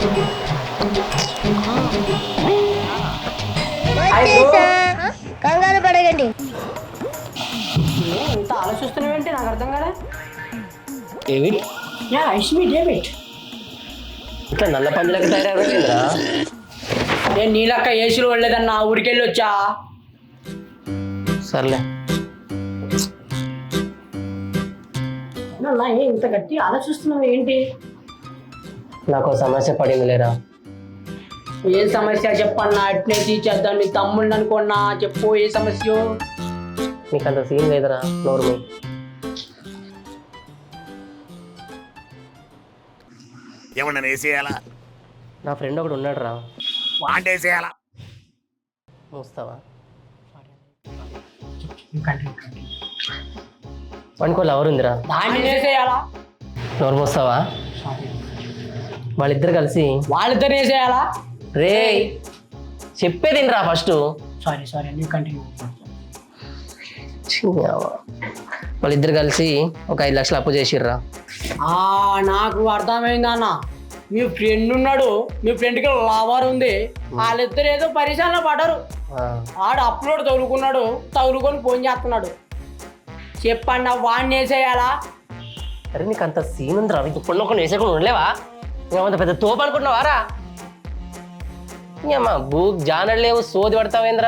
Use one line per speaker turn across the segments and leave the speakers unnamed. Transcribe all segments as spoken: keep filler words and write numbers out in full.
కంగారు పడగండి.
ఇంత ఆలోచిస్తున్నావేంటి నాకు అర్థం కదా.
David
yeah it's me David.
ఇట్లా నల్ల పందులకు తయారైందిరా.
నేను నీలక్క ఏసీలో వెళ్ళలేదన్నా, ఊరికెళ్ళి వచ్చా.
సర్లే
అన్నా ఇంత గట్టి ఆలోచిస్తున్నావు ఏంటి?
నాకు సమస్య పడింది లేరా.
ఏ సమస్య చెప్పన్నా, అట్నే తీసేద్దాం. నీ తమ్ముడిని అనుకున్నా చెప్పు, ఏ సమస్య?
నీకు అంత సీన్ లేదురా, నోరు మీ.
ఏమన్నా వేసేయాలా?
నా ఫ్రెండ్ ఒకడు ఉన్నాడు రా,
వాంట వేసేయాలా?
మూస్తావా? వానికి లవర్ ఉందిరా,
దాన్ని వేసేయాలా?
నోరు మూస్తావా? వాళ్ళిద్దరు కలిసి
వాళ్ళిద్దరు వేసేయాలా?
రే చెప్పేదిరా ఫస్ట్.
సారీ సారీ అన్ని కంటిన్యూ.
వాళ్ళిద్దరు కలిసి ఒక ఐదు లక్షలు అప్పు చేసిర్రా.
నాకు అర్థమైంది అన్న. మీ ఫ్రెండ్ ఉన్నాడు, మీ ఫ్రెండ్కి లవర్ ఉంది, వాళ్ళిద్దరు ఏదో పరిశ్రమలో పడ్డారు. ఆడు అప్లోడ్ తగులుకున్నాడు, తగులుకొని ఫోన్ చేస్తున్నాడు. చెప్పండి వాడిని వేసేయాలా?
అరే నీకు అంత సీన్ ఉందిరా, ఇప్పుడు ఒక వేసేకుండా ఉండలేవా? నువ్వంత పెద్ద తోపు అనుకుంటున్నావారా? ఇంకమ్మా భూ జానడు లేవు, సోది పడతావేంద్రా.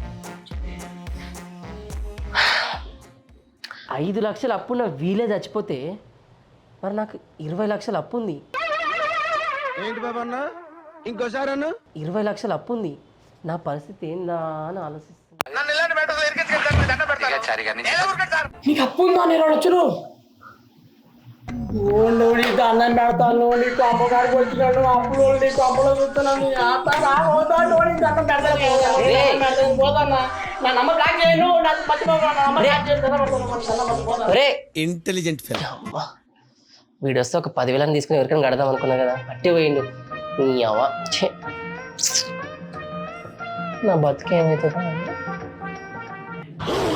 ఐదు లక్షలు అప్పున్న వీలే చచ్చిపోతే మరి నాకు ఇరవై లక్షలు అప్పు ఉంది.
ఏంటి బాబా అన్న, ఇంకోసారి అన్న.
ఇరవై లక్షలు అప్పు ఉంది, నా పరిస్థితి ఏందా అని ఆలోచిస్తున్నా.
నీకు అప్పు ఉందా? నేను వచ్చును నీకు అన్నం పెడతాను, నీకు అమ్మగారికి వచ్చినాడు అప్పులు, నీకు అప్పులో చూస్తున్నాను. నా నమ్మ బ్లాక్ చేయను,
ఇంటెలిజెంట్
వీడు వస్తే ఒక పదివేలని తీసుకుని ఎవరికైనా కడదాం అనుకున్నా కదా, అట్టే పోయిండు. నీ అవ్వ నా బతుకేమైతుందా?